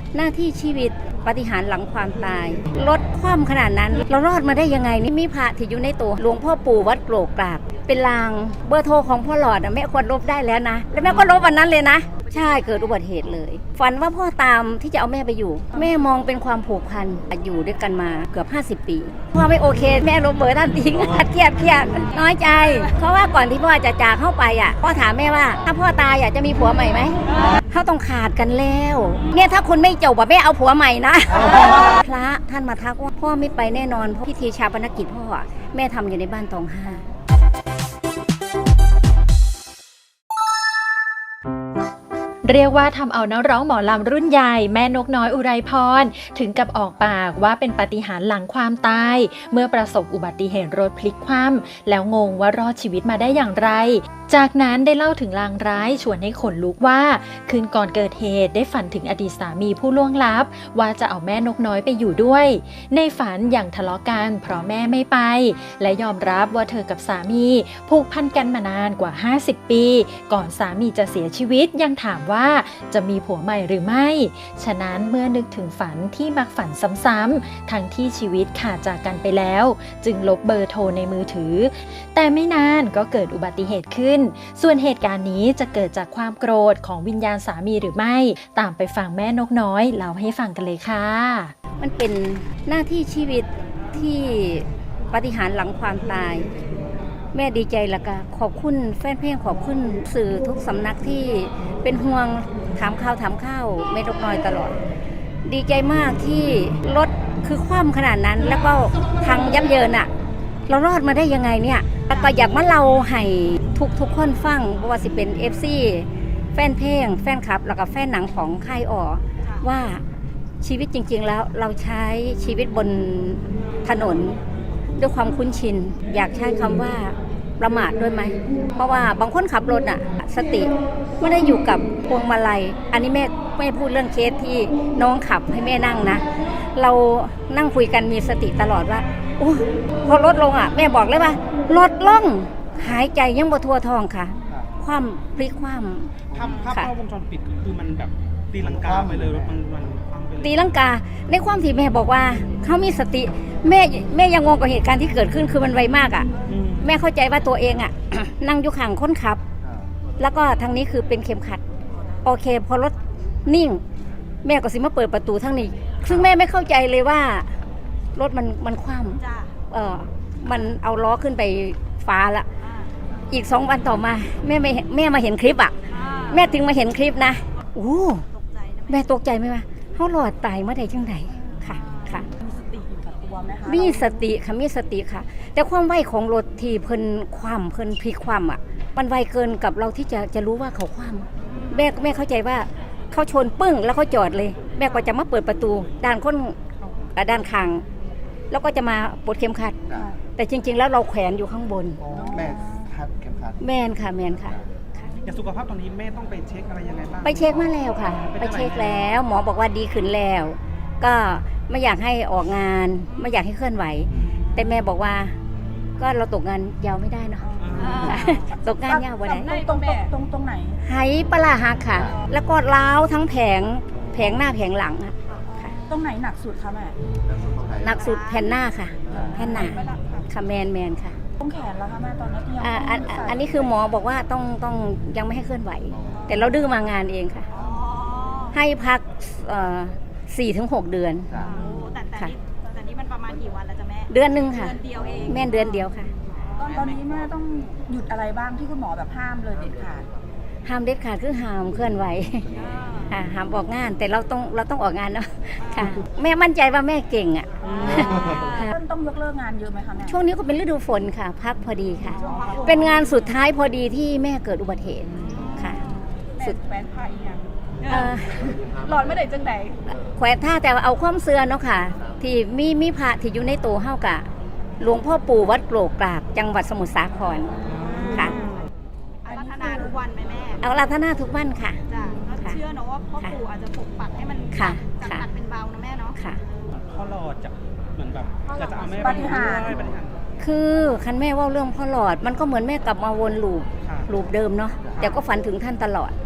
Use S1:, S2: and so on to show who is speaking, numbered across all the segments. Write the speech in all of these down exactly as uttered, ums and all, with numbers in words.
S1: หน้าที่ชีวิตปาฏิหาริย์หลังความตายลดความขนาดนั้นเรารอดมาได้ยังไงนี่มีพระที่อยู่ในตัวหลวงพ่อปู่วัดโกรกกรากเป็นลางเบอร์โทรของพ่อหลอดแม่ควรลบได้แล้วนะแล้วแม่ก็ลบวันนั้นเลยนะใช่เกิดอุบัติเหตุเลยฝันว่าพ่อตามที่จะเอาแม่ไปอยู่แม่มองเป็นความผูกพันอยู่ด้วยกันมาเกือบห้าสิบปีพ่อไม่โอเคแม่ลบเบอร์ท่านทิ้งเครียดเครียดน้อยใจเพราะว่าก่อนที่พ่อจะจากเข้าไปอ่ะพ่อถามแม่ว่าถ้าพ่อตายอยากจะมีผัวใหม่ไหมเขาต้องขาดกันแล้วเนี่ยถ้าคุณไม่จบอ่ะแม่เอาผัวใหม่นะพระท่านมาทักว่าพ่อไม่ไปแน่นอนพิธีชาปนกิจพ่อแม่ทำอยู่ในบ้านตองห้า
S2: เรียกว่าทำเอานักร้องหมอลำรุ่นใหญ่แม่นกน้อยอุไรพรถึงกับออกปากว่าเป็นปาฏิหาริย์หลังความตายเมื่อประสบอุบัติเหตุรถพลิกคว่ำแล้วงงว่ารอดชีวิตมาได้อย่างไรจากนั้นได้เล่าถึงลางร้ายชวนให้ขนลุกว่าคืนก่อนเกิดเหตุได้ฝันถึงอดีตสามีผู้ล่วงลับว่าจะเอาแม่นกน้อยไปอยู่ด้วยในฝันอย่างทะเลาะกันเพราะแม่ไม่ไปและยอมรับว่าเธอกับสามีผูกพันกันมานานกว่าห้าสิบปีก่อนสามีจะเสียชีวิตยังถามว่าจะมีผัวใหม่หรือไม่ฉะนั้นเมื่อนึกถึงฝันที่มักฝันซ้ำๆทั้งที่ชีวิตขาดจากกันไปแล้วจึงลบเบอร์โทรในมือถือแต่ไม่นานก็เกิดอุบัติเหตุขึ้นส่วนเหตุการณ์นี้จะเกิดจากความโกรธของวิญญาณสามีหรือไม่ตามไปฟังแม่นกน้อยเล่าให้ฟังกันเลยค่ะ
S1: มันเป็นหน้าที่ชีวิตที่ปาฏิหาริย์หลังความตายแม่ดีใจแล้วก็ขอบคุณแฟนเพลงขอบคุณสื่อทุกสำนักที่เป็นห่วงถามข่าวถามข้าวแม่นกน้อยตลอดดีใจมากที่รถคือคว่ำขนาดนั้นแล้วก็พังยับเยินอะเรารอดมาได้ยังไงเนี่ยแล้วก็อยากมาเล่าให้ทุกทุกคนฟังว่าสิเป็น เอฟ ซี แฟนเพลงแฟนคลับแล้วก็แฟนหนังของค่ายอ๋อว่าชีวิตจริงๆแล้วเราใช้ชีวิตบนถนนด้วยความคุ้นชินอยากใช้คำว่าประมาทด้วยไหมเพราะว่าบางคนขับรถอ่ะสติไม่ได้อยู่กับพวงมาลัยอันนี้แม่ไม่พูดเรื่องเคสที่น้องขับให้แม่นั่งนะเรานั่งคุยกันมีสติตลอดว่าโอ้พอรถลงอ่ะแม่บอกเลยว่ารถล่องหายใจยังบ่ทั่วท้องค่ะคว่ำพลิกคว่ำ
S3: ภาพภาพกล้องวงจรปิดคือมันแบบตีลังกาไปเลยรถมันมัน
S1: ตีลังกาในความที่แม่บอกว่าเขามีสติแม่แม่ยังงงกับเหตุการณ์ที่เกิดขึ้นคือมันไวมากอ่ะแม่เข้าใจว่าตัวเองอ่ะ นั่งอยู่ข้างคนขับแล้วก็ทางนี้คือเป็นเข็มขัดโอเคพอรถนิ่งแม่ก็สิมาเปิดประตูทางนี้ซึ่งแม่ไม่เข้าใจเลยว่ารถมันมันคว่ำเออมันเอาล้อขึ้นไปฟ้าละอีกสองวันต่อมาแม่ไม่แม่มาเห็นคลิปอ่ะแม่ถึงมาเห็นคลิปนะโอ้แม่ตกใจไหมวะเขาหลอดตายเมื่อใดจังใดค่ะค่ะ
S4: มีสติอยู่กับตัวไหมคะ
S1: มีสติค่ะมีสติค่ะแต่ความไวของรถที่เพิ่นคว่ำเพิ่นพลิกคว่ำอ่ะมันไวเกินกับเราที่จะจะรู้ว่าเขาคว่ำแม่แม่เข้าใจว่าเขาชนปึ้งแล้วเขาจอดเลยแม่ก็จะมาเปิดประตูด้านคนด้านข้างแล้วก็จะมาปลดเข็มขัดแต่จริงๆแล้วเราแขวนอยู่ข้างบน
S3: แม่คัดเข็มขัด
S1: แม่นค่ะแม่นค่ะ
S3: อย่างสุขภาพตอนนี้แม่ต้องไปเช็คอะไรยังไงบ้าง
S1: ไปเช็คมาแล้วค่ะไปเช็คแล้วหมอบอกว่าดีขึ้นแล้วก็ไม่อยากให้ออกงานไม่อยากให้เคลื่อนไหวแต่แม่บอกว่าก็เราตกงานยาวไม่ได้เนาะตกงานยาววันไหน
S4: ตรงตรงตรงไหน
S1: ไหปลาหักค่ะแล้วก็ล้าวทั้งแผงแผงหน้าแผงหลังค่ะ
S4: ตรงไหนหนักสุดคะแม่
S1: หนักสุดแผ่นหน้าค่ะแผ่นหน้าค่ะแมนแมนค่ะ
S4: ตรงแขนแล้วค่ะแม่ตอนนี้ที่ยัง
S1: อ่าอันนี้คือหมอบอกว่าต้องต้องยังไม่ให้เคลื่อนไหวแต่เราดื้อมางานเองค่ะให้พักสี่ถึงหกเดือน
S5: แต่แต่นี้แต่นี้มันประมาณกี่วันแล้วจ๊ะแม่
S1: เดือนหนึ่งค่ะ
S5: เดือนเดียวเอง
S1: แม่เดือนเดียวค่ะ
S4: ตอนนี้แม่ต้องหยุดอะไรบ้างที่คุณหมอแบบห้ามเลยเด็ดขาด
S1: ห้ามเด็ดขาดคือห้ามเคลื่อนไหวห้ามออกงานแต่เราต้องเราต้องออกงานเนาะค่ะแม่มั่นใจว่าแม่เก่งอ่ะ
S4: ต้องยกเลิกงานเยอะไหมคะแม่
S1: ช่วงนี้ก็เป็นฤดูฝนค่ะพักพอดีค่ะเป็นงานสุดท้ายพอดีที่แม่เกิดอุบัติเหตุค่ะ
S4: สุดแฟนพายยังหลอดไม่ได้จังไหน
S1: แขวนท่าแต่เอาความเสื่อเนาะค่ะที่มีมีพระที่อยู่ในตัวเฮากะหลวงพ่อปู่วัดโกรกกรากจังหวัดสมุทรสาครค่ะ
S5: เอารัตนาทุกวันไหมแม่
S1: เอารัตนาทุกวันค่ะ
S5: จ้ะเชื่อเนาะว่าพ่อปู่อาจจะปกปักให้มันจากหนักเป็นเบานะแม่เนาะ
S1: ค่ะ
S3: พ่อหลอดจะเหมือนแบบจะจะเอาแม่ไปด้วยปฏิหาร
S1: คือคันแม่ว่าเรื่องพ่อหลอดมันก็เหมือนแม่กลับมาวนลูปลูปเดิมเนาะแต่ก็ฝันถึงท่านตลอด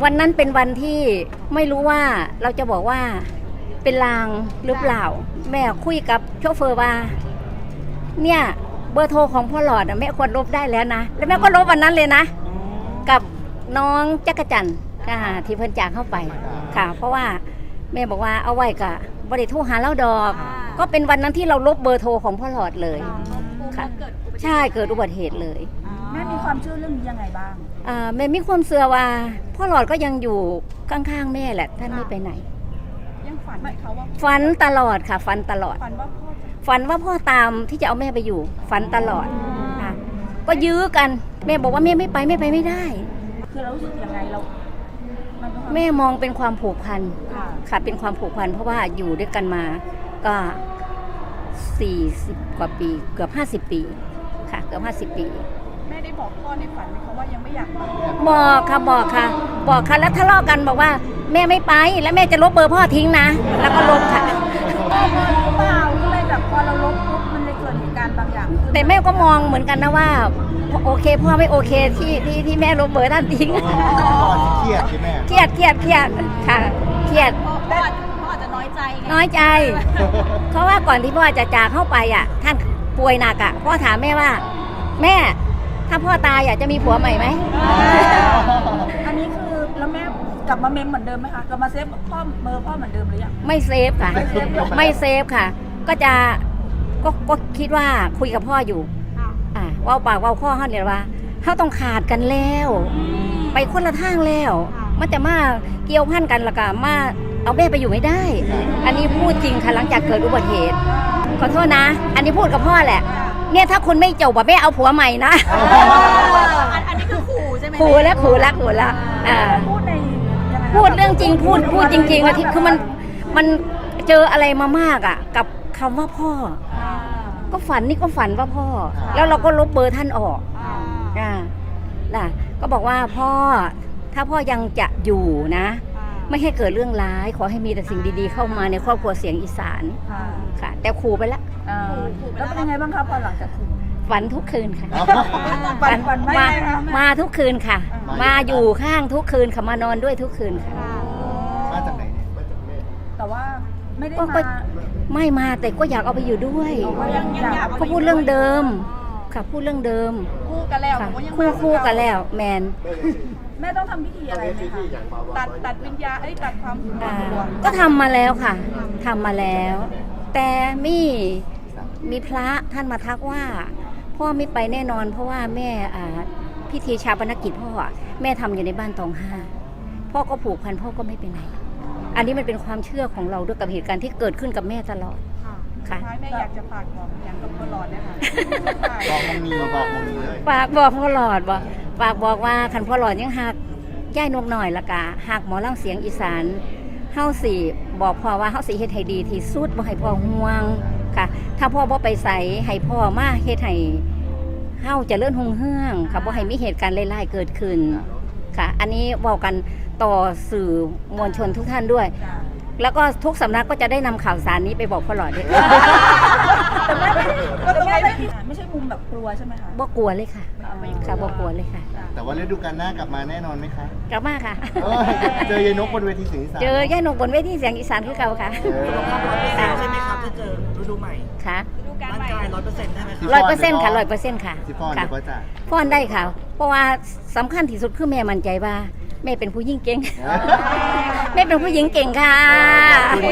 S1: วันนั้นเป็นวันที่ไม่รู้ว่าเราจะบอกว่าเป็นลางหรือเปล่า แม่คุยกับโชเฟอร์ว่าเนี่ยเบอร์โทรของพ่อหลอดอะแม่ควรลบได้แล้วนะแล้วแม่ก็ลบวันนั้นเลยนะ กับน้องจักรจันทร์ค่ะที่เพิ่นจากเข้าไปค่ะ เพราะว่าแม่บอกว่าเอาไว้กับบริโทรหาเล่าดอก ก็เป็นวันนั้นที่เราลบเบอร์โทรของพ่อหลอดเลย ค่ะ
S5: เกิดอุบัติเหตุ
S1: ใช่เกิดอุบัติเหตุเลย
S4: แม่มีความเชื่อเรื่องนี้ยังไงบ้าง
S1: อ่าแม่มีความเชื่อว่าพ่อหลอดก็ยังอยู่ข้างๆแม่แหละท่านไม่ไปไหน
S4: ยังฝันไหมเขาว่า
S1: ฝันตลอดค่ะฝันตลอด
S4: ฝันว่าพ่อจะ
S1: ฝันว่าพ่อตามที่จะเอาแม่ไปอยู่ ฝันตลอดค่ะ ก็ยื้อกันแม่บอกว่าแม่ไม่ไปแม่ไปไม่ได้
S4: คือเรารู้สึกยังไงเรามันเป็นความ
S1: แม่มองเป็นความผูกพัน
S4: ค่ะ
S1: ค่ะเป็นความผูกพันเพราะว่าอยู่ด้วยกันมาก็สี่สิบกว่าปีเกือบห้าสิบปีค่ะเกือบห้าสิบปี
S4: แม่ได้บอกพ่อในฝันไหมคะว่ายังไม่อยากไป
S1: บอกค่ะบอกค่ะ บอกค่ะแล้วทะเลาะกันบอกว่าแม่ไม่ไปแล้วแม่จะลบเบอร์พ่อทิ้งนะ แล้วก็ลบค่ะ
S4: พ่อมาหรือเปล่าก็เลยแบบพอเราลบปุ๊บมันเลยเกิดเหตุการณ์บางอย่างขึ้น
S1: แต่แม่ก็มองเหมือนกันนะว่าโอเคพ่อไม่โอเคที่ที่ที่แม่ลบเบอร์ท่านทิ้ง
S6: พ่อเครียดใช่ไหม
S1: เครียดเครียดเครียดค่ะเครียด
S5: พ่อพ่ออาจพ่ออาจจะน้อยใจไง
S1: น้อยใจ เพราะว่าก่อนที่พ่อจะจากเข้าไปอ่ะ ท่านป่วยหนักอ่ะพ่อถามแม่ว่า แม่ถ้าพ่อตายอ่ะจะมีผัวใหม่ไหม
S4: อันนี้คือแล้วแม่กลับมาเมมเหมือนเดิมไหมคะกลับมาเซฟพ่อเบอร์พ่อเหมือนเดิมหรือยัง
S1: ไม่เซฟค่ะ
S4: ไม่เซฟหรอ
S1: ไม่เซฟค่ะ ก็จะก็ก็คิดว่าคุยกับพ่ออยู่
S5: ค่ะ
S1: อ่าเว่าปากเว่าข้อเขาเนี่ยว่าเขาต้องขาดกันแล้ว ไปคนละทางแล้ว มันจะมาเกี่ยวพันกันและกันมาเอาแม่ไปอยู่ไม่ได้ อันนี้พูดจริงค่ะหลังจากเกิดอุบัติเหตุขอโทษนะ อันนี้พูดกับพ่อแหละ เนี่ยถ้าคุณไม่จบอะแม่เอาผัวใหม่นะ
S5: อันอันนี้คือขู่ใช่ไหม
S1: ขู่แล้วขู่แล้วขู่แล้วอ่า
S4: พูดในยังไงคะ
S1: พูดเรื่องจริงพูดพูดจริงๆอะที่คือมันมันเจออะไรมามากอะกับคำว่าพ่อ
S4: อ่า
S1: ก็ฝันนี่ก็ฝันว่าพ่อ แล้วเราก็ลบเบอร์ท่านออก
S5: อ่า
S1: อ่าน่ะก็บอกว่าพ่อถ้าพ่อยังจะอยู่นะ ไม่ให้เกิดเรื่องร้ายขอให้มีแต่สิ่งดีๆเข้ามาในครอบครัวเสียงอีสาน
S4: ค่ะ
S1: ค่ะ แต่ขู่ไปแล้ว
S4: อ่าแล้วเป็นยังไงบ้างคะพอหลังจากคุย
S1: ฝันทุกคืนค่ะ
S4: ฝันฝันไม่
S1: มา
S4: ได้คะ
S1: มาทุกคืนค่ะ
S6: อ่าม
S1: มาอยู่ข้างทุกคืนค่ะมานอนด้วยทุกคืนค่ะ
S6: มาจากไหนเนี่ยมาจากแม่
S4: แต่ว่าไม่ได้
S1: ก็
S4: มา
S1: ไม่มาแต่ก็อยากเอาไปอยู่ด้วย
S4: ก็ยังอยาก
S1: เขาพูดเรื่องเดิมค่ะพูดเรื่องเดิม
S4: คู่กันแล้ว
S1: ค่ะ
S4: ผมก็ยัง
S1: คู่คู่กันแล้วแมน
S4: แม่ต้องทำพิธีอะไรไหมคะตัดตัดวิญญาณเอ้ยตัดความห
S1: อ่าว
S4: ง
S1: ก็ทำมาแล้วค่ะทำมาแล้ว แต่มีมีพระท่านมาทักว่า พ่อไม่ไปแน่นอน เพราะว่าแม่อ่าพิธีชาปนกิจพ่ออะแม่ทำอยู่ในบ้านตองห้าพ่อก็ผูกพันพ่อก็ไม่ไปไหน อันนี้มันเป็นความเชื่อของเราด้วยกับเหตุการณ์ที่เกิดขึ้นกับแม่ตลอด
S4: ค่ะ
S1: ค่ะ
S4: ท้ายแม่อยากจะฝากบอกอย่างกับตลอดเนี่ยค่ะ
S6: บอกมงนีบอกมงนีเลย
S1: ฝากบอกพ่อหลอดบอกฝากบอกว่าคันพ่อหลอดยังหักย่ายนกหน่อยละกะหักหมอล่างเสียงอีสานเฮาสิบอกพ่อว่าเฮาสิเฮ็ดให้ดีที่สุดบ่ให้พ่อห่วงค่ะ ถ้าพ่อบ่ไปใส่ให้พ่อมาเฮ็ดให้เฮาเจริญรุ่งเรืองค่ะบ่ให้มีเหตุการณ์ร้ายๆเกิดขึ้นค่ะ อันนี้เว้ากันต่อสื่อมวลชนทุกท่านด้วย แล้วก็ทุกสำนักก็จะได้นำข่าวสารนี้ไปบอกพ่อหลอดด้วย
S4: แต่แม่ไม่ได้แต่แม่ไม่ได้ไม่ใช่มุมแบบกลัวใช่ไหมคะ
S1: บ่กลัวเลยค่ะค่ะบ่กลัวเลยค่ะ
S6: แต่ว่าฤดูกาลหน้ากลับมาแน่นอนไหมคะ
S1: กลับมาค่ะ
S6: เอ้ยเจอยายนกบนเวทีเสียงอีสาน
S1: เจอย่านกบนเวทีเสียงอีสานคือเก่าค่ะ
S6: เออ
S7: ใช่ไหมครับถ้าเจอฤดูใหม่
S1: ค่ะ
S5: ดูการ
S7: ร่าง
S5: ใหม่
S7: กายร้อยเปอร์เซ็นต์ได้ไหมครับ
S1: ร้อยเปอร์เซ็นต์ค่ะร้อยเปอร์เซ็นต์ค่ะ
S6: สิฟอน
S1: ค่ะ
S6: เดี๋ยวก็จะ
S1: ฟ้อนได้ค่ะ เพราะว่าสำคัญที่สุดคือแม่มั่นใจว่าแม่เป็นผู้หญิงเก่ง แม่เป็นผู้หญิงเก่งค่ะ
S6: ขอบคุณ